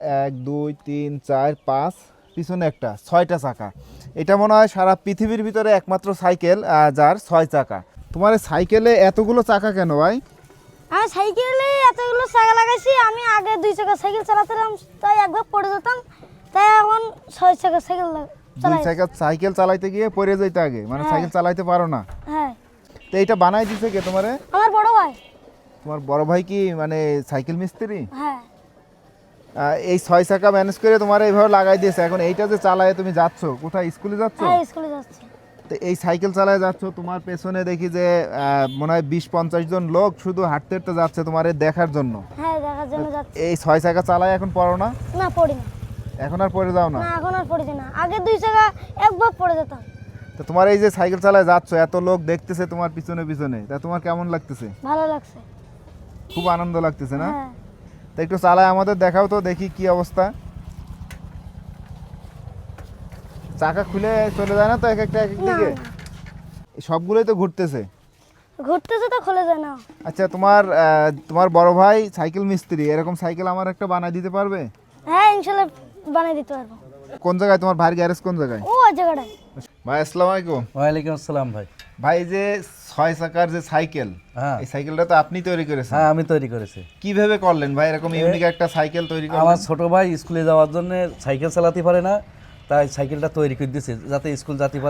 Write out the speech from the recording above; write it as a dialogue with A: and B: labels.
A: এক দুই তিন চার পাঁচ, পিছনে একটা, 6টা চাকা। এটা মনে হয় সারা পৃথিবীর ভিতরে একমাত্র সাইকেল যার 6 চাকা। তোমার এই সাইকেলে এতগুলো চাকা কেন ভাই?
B: আমি সাইকেলে এতগুলো চাকা লাগাইছি। আমি আগে 2 চাকা সাইকেল চালাতাম, তাই একবার পড়ে যেতাম, তাই এখন 6 চাকা সাইকেল
A: 2
B: চালাই।
A: চাকা সাইকেল চালাইতে গিয়ে পড়ে যাইতে আগে, মানে
B: হ্যাঁ।
A: সাইকেল চালাইতে পারো না।
B: হ্যাঁ,
A: তো এইটা বানাই দিছে কে তোমারে?
B: আমার বড় ভাই।
A: তোমার বড় ভাই কি মানে সাইকেল মিস্ত্রি?
B: হ্যাঁ,
A: এই 6 চাকা ম্যানেজ করে তোমার এইভাবে লাগাই দিয়েছে। এখন এইটা যে চালায় তুমি যাচ্ছ কোথায়, স্কুলে যাচ্ছ?
B: হ্যাঁ স্কুলে যাচ্ছি।
A: তো এই সাইকেল চালায় যাচ্ছ, তোমার পেছনে দেখি যে মনে হয় 20-50 জন লোক শুধু হাঁটতে হাঁটতে যাচ্ছে তোমার এই দেখার জন্য।
B: হ্যাঁ, দেখার জন্য যাচ্ছি।
A: এই 6 চাকা চালায় এখন পড়ো না?
B: না, পড়ি না।
A: এখন আর পড়ে যাও না?
B: না, এখন আর পড়ি না। আগে 2 চাকা একবার পড়ে যেতাম।
A: তো তোমার এই যে সাইকেল চালায় যাচ্ছ, এত লোক দেখতেছে তোমার পিছনে পিছনে, তা তোমার কেমন লাগতেছে?
B: ভালো লাগছে।
A: খুব আনন্দ লাগতেছে না?
B: হ্যাঁ,
A: তো একটু চালায় আমাদের দেখাও তো, দেখি কি অবস্থা। চাকা খুলে চলে যায় না তো এক একটা এক
B: না,
A: দিকে?
B: না।
A: সবগুলোই তো ঘুরতেছে।
B: ঘুরতেছে তো খুলে যায় না।
A: আচ্ছা, তোমার বড় ভাই সাইকেল মিস্ত্রি, এরকম সাইকেল আমার একটা বানাই দিতে পারবে?
B: হ্যাঁ, ইনশাল্লাহ বানিয়ে দিতে পারবো।
A: কোন জায়গায় তোমার ভাইয়ের গ্যারেজ, কোন জায়গায়?
B: ওই জায়গাটায়।
A: ভাই আসসালামু আলাইকুম।
C: ওয়ালাইকুম আসসালাম ভাই।
A: ভাই এই যে 6 চাকার যে সাইকেল,
C: হ্যাঁ
A: এই সাইকেলটা তো আপনি তৈরি করেছেন।
C: হ্যাঁ, আমি তৈরি করেছি।
A: কিভাবে করলেন ভাই এরকম ইউনিক একটা সাইকেল তৈরি
C: আমার
A: করলেন?
C: ছোট ভাই স্কুলে যাওয়ার জন্য সাইকেল চালাতে পারে না, তাই সাইকেলটা তৈরি করে দিয়েছে যাতে স্কুল যেতে পারে।